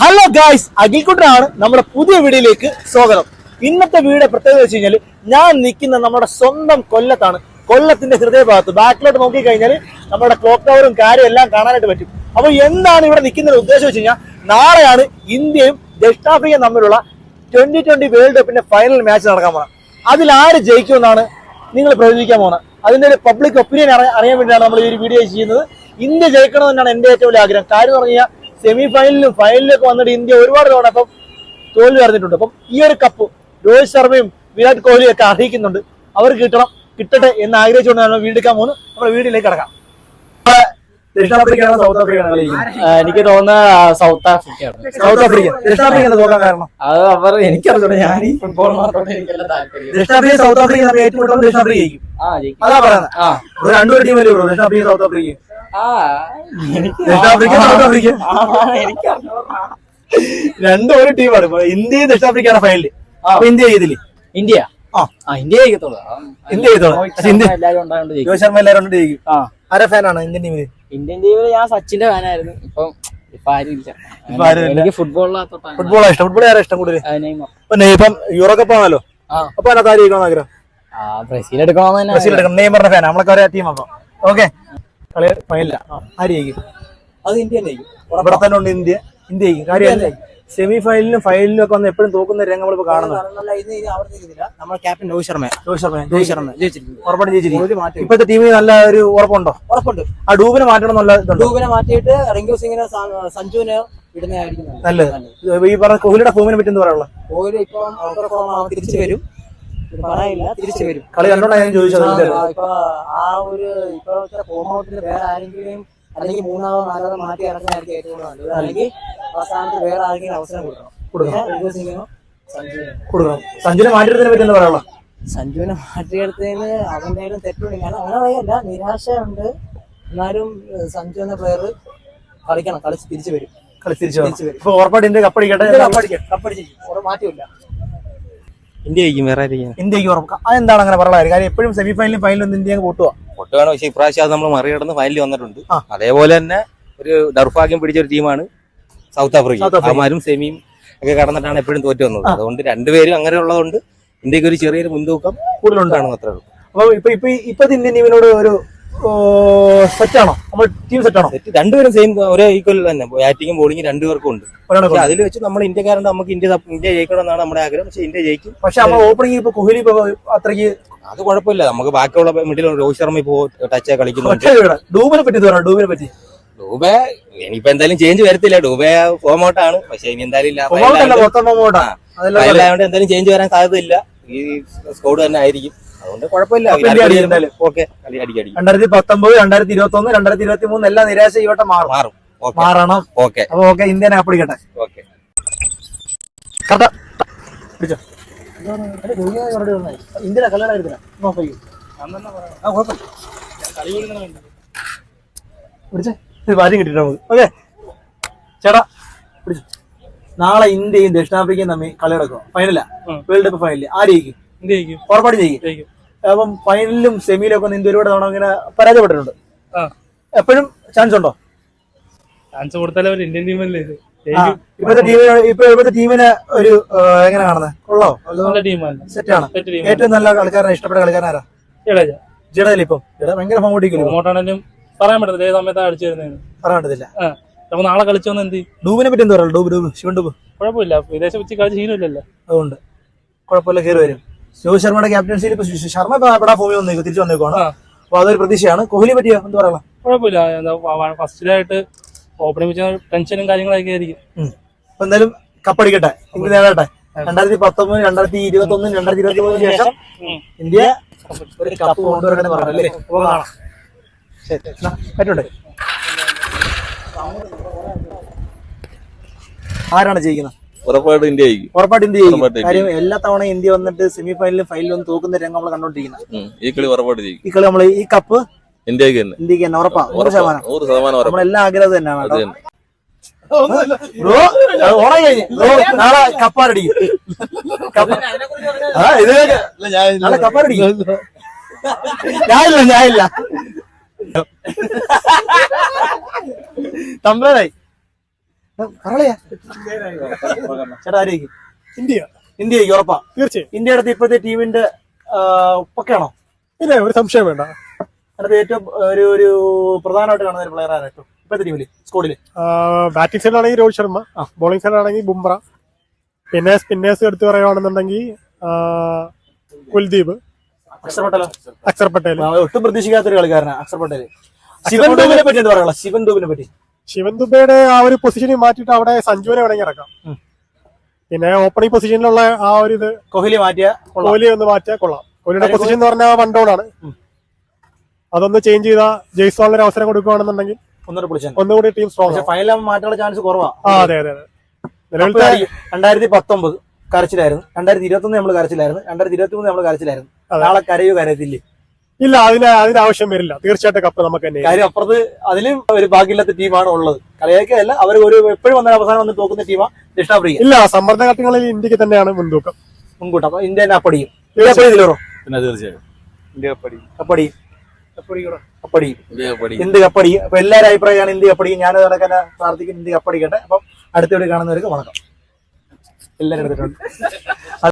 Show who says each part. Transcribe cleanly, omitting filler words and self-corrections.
Speaker 1: Hello guys, അഖിൽക്കുട്ടനാണ് നമ്മുടെ പുതിയ വീഡിയോയിലേക്ക് സ്വാഗതം. ഇന്നത്തെ വീഡിയോ പ്രത്യേകത വെച്ച് കഴിഞ്ഞാൽ ഞാൻ നിൽക്കുന്ന നമ്മുടെ സ്വന്തം കൊല്ലത്താണ്. കൊല്ലത്തിന്റെ ഹൃദയഭാഗത്ത് ബാക്കിലോട്ട് നോക്കിക്കഴിഞ്ഞാൽ നമ്മുടെ ക്ലോക്ക് ടവറും കാര്യം എല്ലാം കാണാനായിട്ട് പറ്റും. അപ്പോൾ എന്താണ് ഇവിടെ നിൽക്കുന്ന ഉദ്ദേശം വെച്ച് കഴിഞ്ഞാൽ, നാളെയാണ് ഇന്ത്യയും ദക്ഷിണാഫ്രിക്കയും തമ്മിലുള്ള 2020 വേൾഡ് കപ്പിന്റെ ഫൈനൽ മാച്ച് നടക്കാൻ പോകുന്നത്. അതിൽ ആര് ജയിക്കുമെന്നാണ് നിങ്ങൾ പ്രവചിക്കാൻ പോകുന്നത്. അതിന്റെ ഒരു പബ്ലിക് ഒപ്പീനിയൻ അറിയാൻ വേണ്ടിയാണ് നമ്മൾ ഈ ഒരു വീഡിയോ ചെയ്യുന്നത്. ഇന്ത്യ ജയിക്കണമെന്നാണ് എൻ്റെ ഏറ്റവും വലിയ ആഗ്രഹം. കാര്യം എന്ന് പറഞ്ഞു കഴിഞ്ഞാൽ സെമി ഫൈനലിലും ഫൈനലിലൊക്കെ വന്നിട്ട് ഇന്ത്യ ഒരുപാട് തവണ അപ്പം തോൽവി അറിഞ്ഞിട്ടുണ്ട്. അപ്പം ഈ ഒരു കപ്പ് രോഹിത് ശർമ്മയും വിരാട് കോഹ്ലിയും ഒക്കെ അർഹിക്കുന്നുണ്ട്. അവർക്ക് കിട്ടട്ടെ എന്ന് ആഗ്രഹിച്ചുകൊണ്ട് നമ്മൾ വീണ്ടെടുക്കാൻ പോകുന്നു. നമ്മുടെ വീഡിയോയിലേക്ക് കിടക്കാം. ദക്ഷിണാഫ്രിക്കയാണോ സൗത്ത് ആഫ്രിക്കയാണോ?
Speaker 2: എനിക്ക് തോന്നുന്നത് സൗത്ത് ആഫ്രിക്കയാണ്.
Speaker 1: South Africa. ദക്ഷിണാഫ്രിക്ക നോക്കാൻ കാരണം
Speaker 2: അത് അവർ എനിക്കറിയില്ല. ഞാൻ ഈ ഫുട്ബോളിനോട് എനിക്കെല്ലാം താല്പര്യം.
Speaker 1: ദക്ഷിണാഫ്രിക്ക സൗത്ത് ആഫ്രിക്ക നമ്മൾ ഏറ്റുമുട്ടുമ്പോൾ ദക്ഷിണാഫ്രിക്ക ജയിക്കും. അതാ പറയുന്നത്. രണ്ടുപേരും ടീം അല്ലേ ദക്ഷിണാഫ്രിക്ക സൗത്ത് ആഫ്രിക്ക. ദക്ഷിണാഫ്രിക്ക സൗത്ത് ആഫ്രിക്ക രണ്ടും ഒരു ടീമാണ്. ഇന്ത്യയും ദക്ഷിണാഫ്രിക്കയാണ് ഫൈനല്. അപ്പൊ ഇന്ത്യ ചെയ്തില്ലേ?
Speaker 2: ഇന്ത്യ ഇന്ത്യ ജയിക്കത്തുള്ളൂ.
Speaker 1: ഇന്ത്യ ചെയ്തോളൂ. രോഹിത് ശർമ്മ എല്ലാവരും ജയിക്കും. ആരെ ഫാനാണ് ഇന്ത്യൻ ടീമില്?
Speaker 2: ഇന്ത്യൻ ടീമിൽ ഞാൻ സച്ചിന്റെ ഫാനായിരുന്നു. ഇപ്പൊ ആരുമില്ല. എനിക്ക് ഫുട്ബോളാണ്
Speaker 1: ഇഷ്ടം. ഫുട്ബോൾ ആരാ ഇഷ്ടം കൂടുതൽ? ഇപ്പം യൂറോ കപ്പ് ആണല്ലോ. അപ്പൊ അതിനകത്ത് ആര് ജയിക്കണം ആഗ്രഹം?
Speaker 2: ബ്രസീൽ എടുക്കണമെന്ന്.
Speaker 1: ബ്രസീൽ എടുക്കണം. നെയ്മറിന്റെ ഫാൻ. നമ്മളൊക്കെ ഒരേ ടീം. അപ്പൊ ഓക്കെ, കളി ഫൈനലില്ല. ആര് ജയിക്കും?
Speaker 2: അത് ഇന്ത്യ ജയിക്കും.
Speaker 1: ഇവിടെ തന്നെ ഉണ്ട് ഇന്ത്യ ജയിക്കും. കാര്യം സെമി ഫൈനലിലും ഫൈനലിലും ഒക്കെ വന്ന് എപ്പോഴും തോക്കുന്ന രംഗം നമ്മളിപ്പോ കാണുന്നത്.
Speaker 2: നമ്മുടെ ക്യാപ്റ്റൻ രോഹിത് ശർമ്മ
Speaker 1: ഉറപ്പായിട്ടും ജയിച്ചിരിക്കും. ഇപ്പോഴത്തെ ടീമിന് നല്ല ഒരു ഉറപ്പുണ്ടോ?
Speaker 2: ഉറപ്പുണ്ട്.
Speaker 1: ആ ഡൂബിനെ മാറ്റണം എന്നുള്ള
Speaker 2: ഡൂബിനെ മാറ്റിയിട്ട് റിങ്കു സിംഗിനെ സഞ്ജുവിനെ ഇടുന്നതായിരിക്കും
Speaker 1: നല്ലത്. ഈ പറഞ്ഞ കോഹ്ലിയുടെ ഫോമിനെ പറ്റി എന്താ പറയാനുള്ള?
Speaker 2: കോഹ്ലി ഇപ്പം തിരിച്ചു വരും. പറയില്ല, തിരിച്ചു വരും.
Speaker 1: കളി കണ്ടോണ്ടാണ് ഞാൻ ചോദിച്ചത്.
Speaker 2: ഇപ്പൊ ആ ഒരു ഇപ്പോഴത്തെ ഫോം ഔട്ടിൽ വേറെ ആരെങ്കിലും അല്ലെങ്കിൽ മൂന്നാമോ നാലാമോ മാറ്റി ഇറങ്ങാനായിരിക്കും ഏറ്റവും നല്ലത്. അല്ലെങ്കിൽ അവസാനത്ത് വേറെ ആരെങ്കിലും അവസരം കൊടുക്കണം.
Speaker 1: സഞ്ജുവിനെ മാറ്റിയെടുത്തതിനെ പറ്റി എന്താ പറയാനുള്ള?
Speaker 2: സഞ്ജുവിനെ മാറ്റിയെടുത്തതിന് അവന്റെ തെറ്റുണ്ട്. കാരണം അങ്ങനെ പറയല്ല, നിരാശയുണ്ട്. എന്നാലും സഞ്ജു എന്ന പ്ലെയർ കളിക്കണം. കളിച്ച് തിരിച്ചു വരും.
Speaker 1: ഇപ്പൊ ഉറപ്പായിട്ട് ഇന്ത്യ കപ്പടിക്കട്ടെ.
Speaker 2: കപ്പടിച്ചിരിക്കും. മാറ്റില്ല.
Speaker 3: ഇന്ത്യ ജയിക്കും. വേറെ
Speaker 1: ഇന്ത്യക്ക് ഉറപ്പ്. അതെന്താണ് അങ്ങനെ പറയാൻ കാര്യം? എപ്പോഴും സെമി ഫൈനലും ഫൈനലും ഇന്ത്യ പൊട്ടുക.
Speaker 3: പക്ഷേ ഇപ്രാവശ്യം അത് നമ്മൾ മറികടന്ന് ഫൈനലിൽ വന്നിട്ടുണ്ട്. അതേപോലെ തന്നെ ഒരു ദൗർഭാഗ്യം പിടിച്ച ഒരു ടീമാണ് സൗത്ത് ആഫ്രിക്ക. അവന്മാരും സെമിയും ഒക്കെ കടന്നിട്ടാണ് എപ്പോഴും തോറ്റു വന്നത്. അതുകൊണ്ട് രണ്ടുപേരും അങ്ങനെ ഉള്ളതുകൊണ്ട് ഇന്ത്യക്ക് ഒരു ചെറിയൊരു മുൻതൂക്കം കൂടുതലുണ്ടാണ്. അത്രേ ഉള്ളൂ.
Speaker 1: അപ്പൊ ഇപ്പത്തെ ഇന്ത്യൻ ടീമിനോട് ഒരു സെറ്റാണോ? നമ്മൾ ടീം സെറ്റാണോ?
Speaker 3: രണ്ടുപേരും സെയിം ഒരേ ഈക്വൽ തന്നെ. ബാറ്റിംഗും ബോളിംഗും രണ്ടുപേർക്കും ഉണ്ട്. അതിൽ വെച്ച് നമ്മൾ ഇന്ത്യക്കാരുണ്ട്. നമുക്ക് ഇന്ത്യ ജയിക്കണം എന്നാണ് നമ്മുടെ ആഗ്രഹം. പക്ഷെ ഇന്ത്യ ജയിക്കും.
Speaker 1: പക്ഷെ നമ്മൾ ഓപ്പണിംഗ് ഇപ്പൊ കോഹ്ലി അത്രയ്ക്ക്
Speaker 3: അത് കുഴപ്പമില്ല. നമുക്ക് ബാക്കിയുള്ള മിഡിൽ രോഹിത് ശർമ്മ ഇപ്പോ ടച്ച് കളിക്കുന്നുണ്ട്.
Speaker 1: ഡൂബിനെ പറ്റി
Speaker 3: ഡൂബെ ഇനിയിപ്പോ എന്തായാലും ചേഞ്ച് വരത്തില്ല. ഡൂബെ ഫോം ഔട്ടാണ്. പക്ഷെ ഇനി എന്തായാലും എന്തായാലും ചേഞ്ച് വരാൻ സാധ്യതയില്ല. ഈ സ്കോഡ് തന്നെ ആയിരിക്കും. അതുകൊണ്ട് കുഴപ്പമില്ല. ഓക്കെ, കളി അടിക്കടി.
Speaker 1: 2019, 2021, 2023 എല്ലാം നിരാശ ഇവട്ടെ മാറണം.
Speaker 3: ഓക്കെ,
Speaker 1: അപ്പൊ ഓക്കെ, ഇന്ത്യനെ അപ്പടിക്കട്ടെ.
Speaker 3: ഓക്കെ,
Speaker 1: ഇന്ത്യയുടെ കല്യാണം ഭാര്യം കിട്ടിട്ട് നമുക്ക്. ഓക്കെ ചേട്ടാ, പിടിച്ചു. നാളെ ഇന്ത്യയും ദക്ഷിണാഫ്രിക്കയും തമ്മിൽ കളി നടക്കുക. ഫൈനലാ, വേൾഡ് കപ്പ് ഫൈനല്. ആര് ജയിക്കും? ഉറപ്പാട് ജയിക്കും. അപ്പം ഫൈനലിലും സെമിയിലും ഒക്കെ ഇന്ത്യ ഒരുപാട് തവണ ഇങ്ങനെ പരാജയപ്പെട്ടിട്ടുണ്ട്. എപ്പോഴും ചാൻസ് ഉണ്ടോ?
Speaker 4: ചാൻസ് കൊടുത്താലേ ഇന്ത്യൻ ടീമല്ലേ.
Speaker 1: ഇപ്പോഴത്തെ ടീമിനെ ഒരു എങ്ങനെ കാണുന്നത്? കൊള്ളോ? സെറ്റാണ്. ഏറ്റവും നല്ല കളിക്കാരനെ ഇഷ്ടപ്പെട്ട കളിക്കാരനാരാ? ജഡേജ. ഇപ്പം ഭയങ്കര ഫോം ഓടിക്കും.
Speaker 4: പറയാൻ പറ്റത്തില്ല ഏത് സമയത്താണ് അടിച്ചു വരുന്നത്.
Speaker 1: പറയാൻ പറ്റത്തില്ല.
Speaker 4: നമുക്ക് നാളെ കളിച്ചോന്ന് എന്ത്?
Speaker 1: ഡൂബിനെ പറ്റി എന്താ പറയുക? ഡൂബ് ശിവൻ ഡൂബ്
Speaker 4: കുഴപ്പമില്ല. വിദേശ വെച്ച് കളിച്ച് ശീലമില്ലല്ലോ.
Speaker 1: അതുകൊണ്ട് കുഴപ്പമില്ല, കയറി വരും. രോഹിത് ശർമ്മയുടെ ക്യാപ്റ്റൻസിയിൽ ഇപ്പൊ ശർമ്മ പെടാ ഫോമിൽ വന്നേക്കും, തിരിച്ചു വന്നേക്കുവാണ്. അപ്പൊ അതൊരു പ്രതീക്ഷയാണ്. കോഹ്ലി പറ്റിയോ എന്താ പറയാ?
Speaker 4: കുഴപ്പമില്ല. ഫസ്റ്റിലായിട്ട് ഓപ്പണിംഗ് വെച്ച ടെൻഷനും കാര്യങ്ങളൊക്കെ ആയിരിക്കും.
Speaker 1: അപ്പൊ എന്തായാലും കപ്പടിക്കട്ടെ, ഇന്ത്യ നേടട്ടെ. 2019, 2021, 2023 ശേഷം ഇന്ത്യ ഒരു കപ്പ് കൊണ്ടുവരട്ടെ പറഞ്ഞല്ലേ. കാണാം. ശരി, പറ്റുണ്ട്. ആരാണ് ജയിക്കുന്നത്?
Speaker 3: ഉറപ്പായിട്ട് ഇന്ത്യ ജയിക്കും.
Speaker 1: ഉറപ്പായിട്ട് ഇന്ത്യ ജയിക്കും. കാര്യം എല്ലാ തവണ ഇന്ത്യ വന്നിട്ട് സെമി ഫൈനലിലും ഫൈനലിലും ഒന്ന് തോക്കുന്ന രംഗം നമ്മൾ കണ്ടോണ്ടിരിക്കുന്നത്.
Speaker 3: ഈ കളി ഉറപ്പായിട്ട് ജയിക്കും.
Speaker 1: ഈ കളി നമ്മൾ ഈ കപ്പ്
Speaker 3: ഇന്ത്യക്ക് തന്നെ
Speaker 1: ഉറപ്പാ. 100% നമ്മളെല്ലാം ആഗ്രഹം തന്നെയാണ്. നാളെ കപ്പാറടിക്കും. നാളെ കപ്പാറടിക്കും. ഞാനില്ല തമ്പ്രാനായി. പറളയാ ചേട്ടാ ആരേക്ക്
Speaker 5: ഇന്ത്യ
Speaker 1: ഇന്ത്യക്ക് ഉറപ്പാ
Speaker 5: തീർച്ചയായും.
Speaker 1: ഇന്ത്യയുടെ അടുത്ത് ഇപ്പോഴത്തെ ടീമിന്റെ പക്കയാണോ?
Speaker 5: ഇല്ല, ഒരു സംശയം വേണ്ട.
Speaker 1: അടുത്ത് ഏറ്റവും ഒരു പ്രധാനമായിട്ട് കാണുന്ന ഒരു പ്ലെയർ ആരായിട്ടും ഇപ്പോഴത്തെ ടീമില് സ്കോഡില്?
Speaker 5: ബാറ്റിംഗ് സൈഡിലാണെങ്കിൽ രോഹിത് ശർമ്മ, ബോളിംഗ് സൈഡിലാണെങ്കിൽ ബുംറ, പിന്നെ സ്പിന്നേഴ്സ് എടുത്ത് പറയുകയാണെന്നുണ്ടെങ്കിൽ കുൽദീപ്,
Speaker 1: അക്ഷർ പട്ടേലോ?
Speaker 5: അക്ഷർ പട്ടേൽ.
Speaker 1: ഒട്ടും പ്രതീക്ഷിക്കാത്തൊരു കളിക്കാരനാണ് അക്ഷർ പട്ടേല്. ശിവൻ ദുബിനെ പറ്റി എന്താ പറയാ? ശിവൻ ദുബിനെ പറ്റി
Speaker 5: ശിവൻ ദുബയുടെ ആ ഒരു പൊസിഷനിൽ മാറ്റിയിട്ട് അവിടെ സഞ്ജുവിനെ വേണമെങ്കിൽ ഇറക്കാം. പിന്നെ ഓപ്പണിംഗ് പൊസിഷനിലുള്ള ആ ഒരു ഇത്
Speaker 1: കോഹ്ലി മാറ്റിയ
Speaker 5: കോഹ്ലി ഒന്ന് മാറ്റിയാൽ കൊള്ളാം. കോഹ്ലിയുടെ പൊസിഷൻ എന്ന് പറഞ്ഞാൽ 1 ഡൗൺ ആണ്. അതൊന്ന് ചേഞ്ച് ചെയ്താൽ ജയ്സ്വാളിന് അവസരം കൊടുക്കുകയാണെന്നുണ്ടെങ്കിൽ ഒന്നുകൂടി ടീം സ്ട്രോങ്.
Speaker 1: ഫൈനൽ മാറ്റാനുള്ള ചാൻസ് കുറവാണ്.
Speaker 5: അതെ അതെ അതെ. നിലവിലത്തെ
Speaker 1: 2019 കരച്ചിലായിരുന്നു, 2021 നമ്മൾ കരച്ചിലായിരുന്നു, 2023 നമ്മൾ കരച്ചിലായിരുന്നു. നാളെ കരയോ കരയത്തില്ലേ?
Speaker 5: ഇല്ല, അതിന് ആവശ്യം വരില്ല. തീർച്ചയായിട്ടും കപ്പ് നമുക്ക് തന്നെ.
Speaker 1: കാര്യം അപ്പുറത്ത് അതിലും ഒരു ഭാഗ്യമില്ലാത്ത ടീമാണ് ഉള്ളത്. കളിയൊക്കെയല്ല, അവർ ഒരു എപ്പോഴും വന്ന അവസാനം വന്ന് തോക്കുന്ന ടീമാണ് ദക്ഷിണാഫ്രിക്ക.
Speaker 5: ഇല്ല, സമ്മർദ്ദ ഘട്ടങ്ങളിൽ ഇന്ത്യക്ക് തന്നെയാണ് മുൻതൂക്കം.
Speaker 1: മുൻകൂട്ടം. അപ്പൊ ഇന്ത്യ തന്നെ അപ്പടിയും. ഇതിലോ
Speaker 3: പിന്നെ തീർച്ചയായും ഇന്ത്യ കപ്പടിയും.
Speaker 1: ഇന്ത്യ കപ്പടിയും. അപ്പൊ എല്ലാവരും അഭിപ്രായമാണ് ഇന്ത്യ കപ്പടിയും. ഞാൻ നടക്കാൻ പ്രാർത്ഥിക്കും ഇന്ത്യ കപ്പടിക്കട്ടെ. അപ്പം അടുത്ത വീട് കാണുന്നവർക്ക് വണക്കം. എല്ലാവരും എടുത്തിട്ടുണ്ട്.